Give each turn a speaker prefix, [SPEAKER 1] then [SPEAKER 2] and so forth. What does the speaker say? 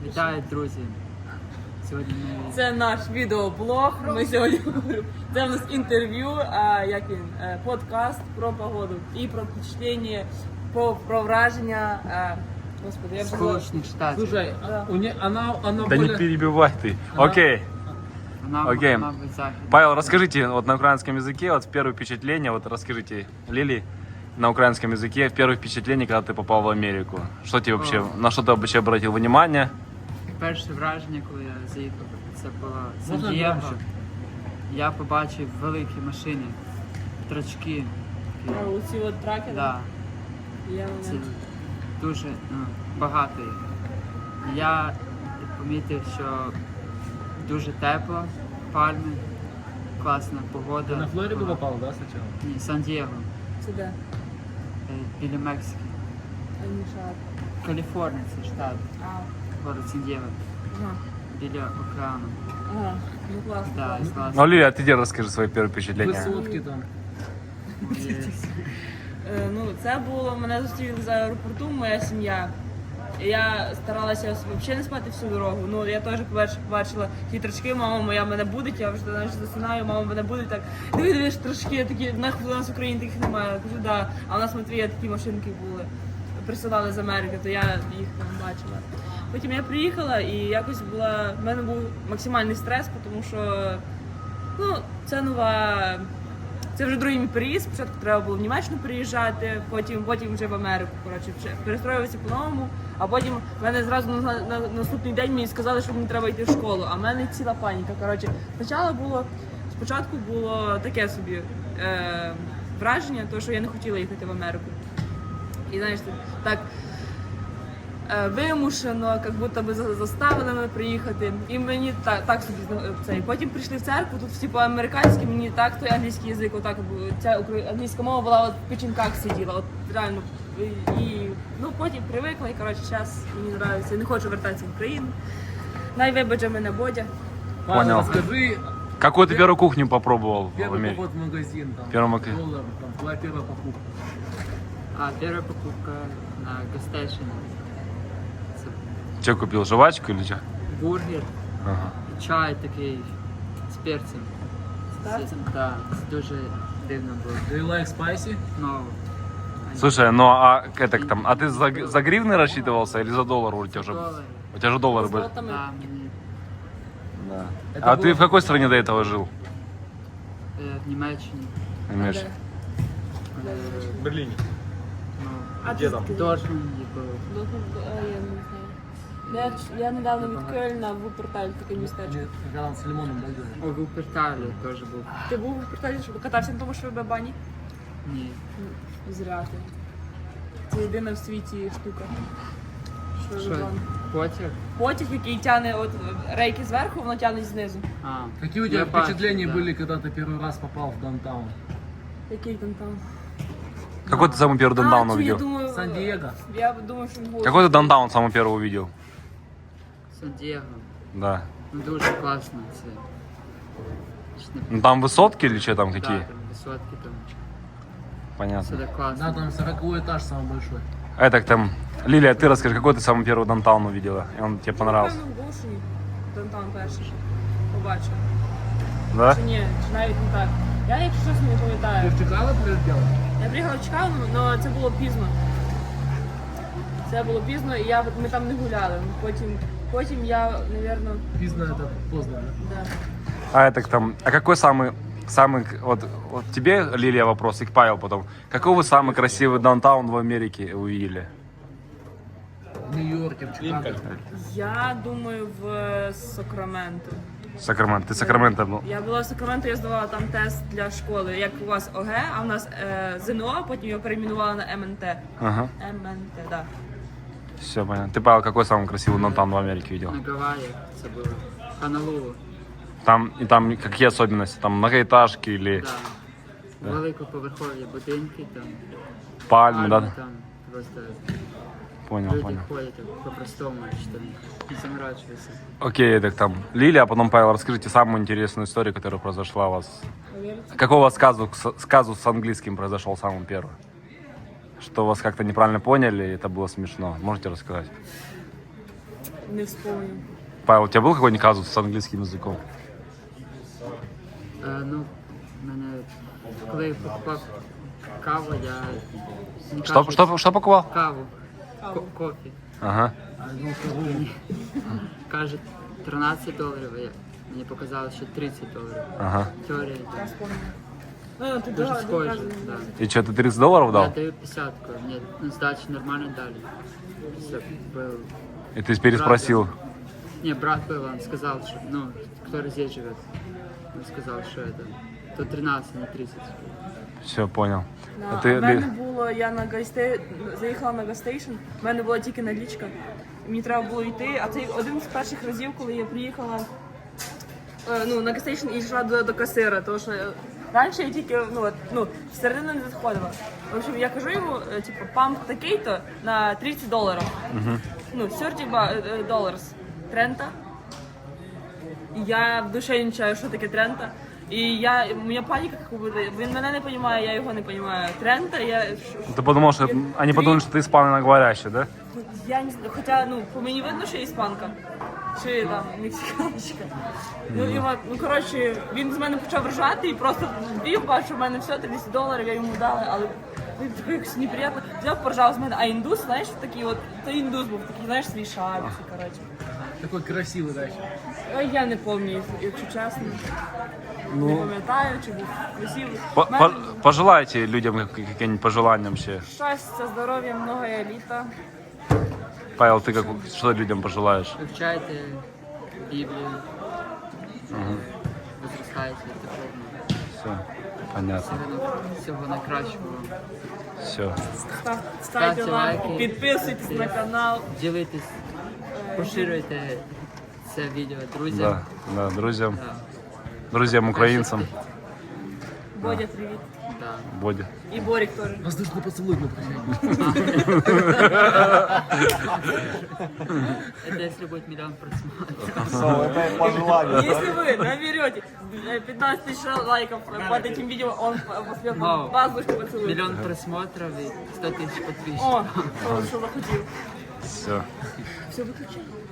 [SPEAKER 1] Вітаю, друзі! Сьогодні ми...
[SPEAKER 2] Це наш відеоблог. Ми сьогодні говоримо. Це в нас інтерв'ю, подкаст про погоду і про впечатлення, про враження. Господи, я
[SPEAKER 1] Сполучених Штатів.
[SPEAKER 3] Слушай,
[SPEAKER 2] Да.
[SPEAKER 3] она
[SPEAKER 4] Да не перебивай ты. Окей. Окей.
[SPEAKER 1] Мабуть, західна.
[SPEAKER 4] Павел, расскажите вот на украинском языке, вот первое впечатление, вот расскажите Лили на украинском языке, первое впечатление, когда ты попал в Америку. Что тебе вообще, на что ты вообще обратил внимание?
[SPEAKER 1] Перше враження, коли я заїхав, це було
[SPEAKER 3] Можна
[SPEAKER 1] Сан-Дієго.
[SPEAKER 3] громче?
[SPEAKER 1] Я побачив великі машини, трачки.
[SPEAKER 2] оці от траки.
[SPEAKER 1] Да,
[SPEAKER 2] Я
[SPEAKER 1] це дуже багато їх. Я помітив, що дуже тепло, пальми, класна погода.
[SPEAKER 3] Ты на Флориду попал, да, сначала?
[SPEAKER 1] Ні, Сан-Дієго,
[SPEAKER 2] Це де?
[SPEAKER 1] біля Мексики.
[SPEAKER 2] Анішат.
[SPEAKER 1] Каліфорнія, це штат, город Сан-Дієго,
[SPEAKER 2] Ага.
[SPEAKER 1] біля океану.
[SPEAKER 2] Ага. Ну класно.
[SPEAKER 1] Да,
[SPEAKER 2] класно.
[SPEAKER 1] класно.
[SPEAKER 4] Ну, Лили, а ты где расскажи свои первые впечатления?
[SPEAKER 3] Высотки там.
[SPEAKER 2] Ну, це було, мене зустріли з аеропорту, моя сім'я. І я старалася взагалі не спати всю дорогу. Ну, я теж побачила ті трачки, мама моя мене будить, я вже знаєш, засинаю, мама мене будить так. Дивись, трачки такі, у нас в Україні таких немає. Я кажу, да. А у нас в Матвія такі машинки були. Присилали з Америки, то я їх там бачила. Потім я приїхала і якось в мене був максимальний стрес, тому що ну, це нова. Це вже другий мій переїзд, спочатку треба було в Німеччину переїжджати, потім вже в Америку, коротше, перестроюватися по-новому, а потім в мене зразу на наступний день мені сказали, що мені треба йти в школу, а в мене ціла паніка, коротше. Спочатку було таке собі враження, того, що я не хотіла їхати в Америку. І знаєш, так вимушено, як будто би заставили мене приїхати. І мені так собі це. І потім прийшли в церкву, тут всі по-американськи, мені так той англійський язик, отак ця англійська мова була от в печінках сиділа, от реально. І ну потім привикла, і коротше, зараз мені подобається. Я не хочу вертатися в Україну. Найвибаче мене Бодя.
[SPEAKER 3] Павел,
[SPEAKER 4] Понял.
[SPEAKER 3] расскажи
[SPEAKER 4] Какую ты первую кухню попробовал в
[SPEAKER 3] первый
[SPEAKER 4] Америке?
[SPEAKER 3] поход в магазин, там,
[SPEAKER 4] Первый магазин.
[SPEAKER 3] доллар, там, твоя первая покупка.
[SPEAKER 1] Перша покупка на Гастейшн. Це
[SPEAKER 4] Че купил, жвачку или что?
[SPEAKER 1] бургер,
[SPEAKER 4] Ага.
[SPEAKER 1] чай такий з перцем.
[SPEAKER 2] перцем?
[SPEAKER 1] Так, це дуже дивно було.
[SPEAKER 3] Do you like spicy?
[SPEAKER 1] Ну,
[SPEAKER 4] Слушай, ну а это там, а ты за гривны рассчитывался или за доллар у тебя уже?
[SPEAKER 1] долари.
[SPEAKER 4] У тебя же доллары были.
[SPEAKER 2] Золотами.
[SPEAKER 1] Да, мені
[SPEAKER 4] Да.
[SPEAKER 3] Это
[SPEAKER 4] А
[SPEAKER 3] было-
[SPEAKER 4] ты в какой стране до этого жил?
[SPEAKER 1] в Німеччині.
[SPEAKER 4] Имеешь?
[SPEAKER 3] В Берлине.
[SPEAKER 1] Ну,
[SPEAKER 2] А
[SPEAKER 3] Де
[SPEAKER 2] ти
[SPEAKER 3] там?
[SPEAKER 2] звідки?
[SPEAKER 1] Дортмунді було.
[SPEAKER 2] Я не знаю. Я недавно від Кельна в Вуперталь таке містечко.
[SPEAKER 3] Когда он с лимоном дойдет.
[SPEAKER 1] У Вуперталі теж був.
[SPEAKER 2] Ти був у Вуперталі, щоб катався на тому, що в бані?
[SPEAKER 1] Ні.
[SPEAKER 2] Зря ти. Це єдина в світі штука. Що
[SPEAKER 1] Що?
[SPEAKER 2] вибан.
[SPEAKER 1] Потяг?
[SPEAKER 2] Потяг, який тягне от рейки зверху, воно тягне знизу.
[SPEAKER 1] А.
[SPEAKER 3] Какие у тебя
[SPEAKER 1] Я бачив,
[SPEAKER 3] впечатления
[SPEAKER 1] да.
[SPEAKER 3] были, когда ты первый раз попал в даунтаун?
[SPEAKER 2] Який там там?
[SPEAKER 4] Какой ты самый первый даунтаун
[SPEAKER 2] я
[SPEAKER 4] увидел?
[SPEAKER 2] думаю,
[SPEAKER 3] Сан-Диего.
[SPEAKER 2] Я думаю, що він був.
[SPEAKER 4] Какой ты даунтаун самый первый увидел?
[SPEAKER 1] Сан-Дієго.
[SPEAKER 4] Да.
[SPEAKER 1] Ну, дуже класно це.
[SPEAKER 4] Ну там высотки или что там какие?
[SPEAKER 1] Да, там висотки, там все
[SPEAKER 4] Понятно.
[SPEAKER 1] так класно.
[SPEAKER 3] Да, там 40-й этаж самый большой.
[SPEAKER 4] А это там, Лилия, ты расскажи, какой ты самый первый даунтаун увидела? И он тебе понравился?
[SPEAKER 2] Напевно, в Гошині. Даунтаун перший побачив.
[SPEAKER 4] Да?
[SPEAKER 2] Чи ні, чи навіть не так. Я, якщо чесно, не
[SPEAKER 3] Ты
[SPEAKER 2] пам'ятаю.
[SPEAKER 3] в Чикаго прилетел?
[SPEAKER 2] Я приїхала в Чикаго, але це було пізно. Це було пізно, і ми там не гуляли. Потім я, мабуть,
[SPEAKER 3] Пизно это поздно, да?
[SPEAKER 2] да.
[SPEAKER 4] А это там, а какой самый, вот тебе, Лилия, вопрос, и к Павел потом. Какой вы самый красивый даунтаун в Америке увидели?
[SPEAKER 3] В Нью-Йорке, в Чикаго.
[SPEAKER 2] Я думаю, в Сакраменто.
[SPEAKER 4] Сакраменто. Ты Сакраменто был?
[SPEAKER 2] Я була в Сакраменто, я здавала там тест для школи. Як у вас ОГ, а у нас ЗНО, а потім його перейменували на МНТ.
[SPEAKER 4] Ага.
[SPEAKER 2] МНТ, да.
[SPEAKER 4] Все понятно. Ты, Павел, какой самый красивый даунтаун в Америке видел?
[SPEAKER 1] На Гаваях це було. Хонолулу.
[SPEAKER 4] Там какие особенности? Там многоэтажки или
[SPEAKER 1] Да. Великоповерхові будинки, там
[SPEAKER 4] пальмы, да?
[SPEAKER 1] там просто
[SPEAKER 4] Понял,
[SPEAKER 1] люди
[SPEAKER 4] понял.
[SPEAKER 1] ходять так по-простому, що там не заморачуються.
[SPEAKER 4] Окей, так там, Лилия, а потом Павел, расскажите самую интересную историю, которая произошла у вас. Какой у вас сказус с английским произошел самым первым? Что вас как-то неправильно поняли, и это было смешно. Можете рассказать?
[SPEAKER 2] Не вспомню.
[SPEAKER 4] Павел, у тебя был какой-нибудь казус с английским языком?
[SPEAKER 1] Ну, в мене, коли я покупав каву, я не
[SPEAKER 4] Что,
[SPEAKER 1] кажуть,
[SPEAKER 4] что покупал?
[SPEAKER 1] каву,
[SPEAKER 2] Каву.
[SPEAKER 1] кофе.
[SPEAKER 4] Ага.
[SPEAKER 1] Кажуть, $13, мені показали, що $30.
[SPEAKER 4] Ага.
[SPEAKER 1] Теорія.
[SPEAKER 2] Я вспомню. Ну, ти
[SPEAKER 1] Дуже
[SPEAKER 2] дуже
[SPEAKER 1] схоже, да.
[SPEAKER 4] И что, ты $30
[SPEAKER 1] Я
[SPEAKER 4] дал?
[SPEAKER 1] даю 50, мне сдачи нормально дали. Все, был.
[SPEAKER 4] И ты переспросил.
[SPEAKER 1] Не, брат был, он сказал, что, ну, кто здесь живет. Он сказал, что это, то 13, не 30.
[SPEAKER 4] Все, понял.
[SPEAKER 2] Да,
[SPEAKER 4] А
[SPEAKER 2] в
[SPEAKER 4] ты,
[SPEAKER 2] мене було, я на заїхала на газстейшн, в мене була тільки налічка. Мені треба було йти, а це один з перших разів, коли я приїхала на газстейшн і йшла до касира, тому що раніше я тільки всередину не заходила. В общем, я кажу йому, типу, памп такий-то на $30. Ну, $30, Трента. І я в душі не чаю, що таке Трента. І моя паніка, як буде, він мене не розуміє, я його не розумію. Трента,
[SPEAKER 4] ты подумал, что они подумали, что ты испаноговорящий, да?
[SPEAKER 2] я не знаю, хоча, по мені видно, що я іспанка, що я там мексиканочка. Коротше, він з мене почав ржати і просто бів, бачив, що в мене все, $30 я йому дала, але він такий якось неприємно. Взяв, поржав з мене, а індус, знаєш, такий от, то індус був, такий, знаєш, свій шапці, коротше.
[SPEAKER 3] Такой красивый, да.
[SPEAKER 2] Я не пам'ятаю, якщо чесно. Не пам'ятаю, чи був красивий.
[SPEAKER 4] Пожелайте людям какие-нибудь пожелания вообще.
[SPEAKER 2] Щастя, здоров'я, много літа.
[SPEAKER 4] Павел, ты что людям пожелаешь?
[SPEAKER 1] Вивчайте Біблію, возростайте духовно.
[SPEAKER 4] Все, понятно.
[SPEAKER 1] Всього найкращого.
[SPEAKER 4] Все.
[SPEAKER 2] Ставте лайки,
[SPEAKER 1] лайки.
[SPEAKER 2] підписуйтесь на канал.
[SPEAKER 1] Ділитесь, поширюйте це відео друзям.
[SPEAKER 4] Да, друзьям,
[SPEAKER 1] Да.
[SPEAKER 4] друзьям украинцам,
[SPEAKER 2] Бодя, привіт.
[SPEAKER 1] Да.
[SPEAKER 4] Боди.
[SPEAKER 2] І Борік теж.
[SPEAKER 3] Воздушный поцелуй на прощание.
[SPEAKER 1] Это если будет миллион просмотров.
[SPEAKER 2] Если вы наберете 15 тысяч лайков под этим видео, он после
[SPEAKER 1] Вау.
[SPEAKER 2] воздушный поцелуй.
[SPEAKER 1] Миллион просмотров и 100 тысяч подписчиков.
[SPEAKER 2] О, что захотел.
[SPEAKER 4] Все.
[SPEAKER 2] Все, выключай.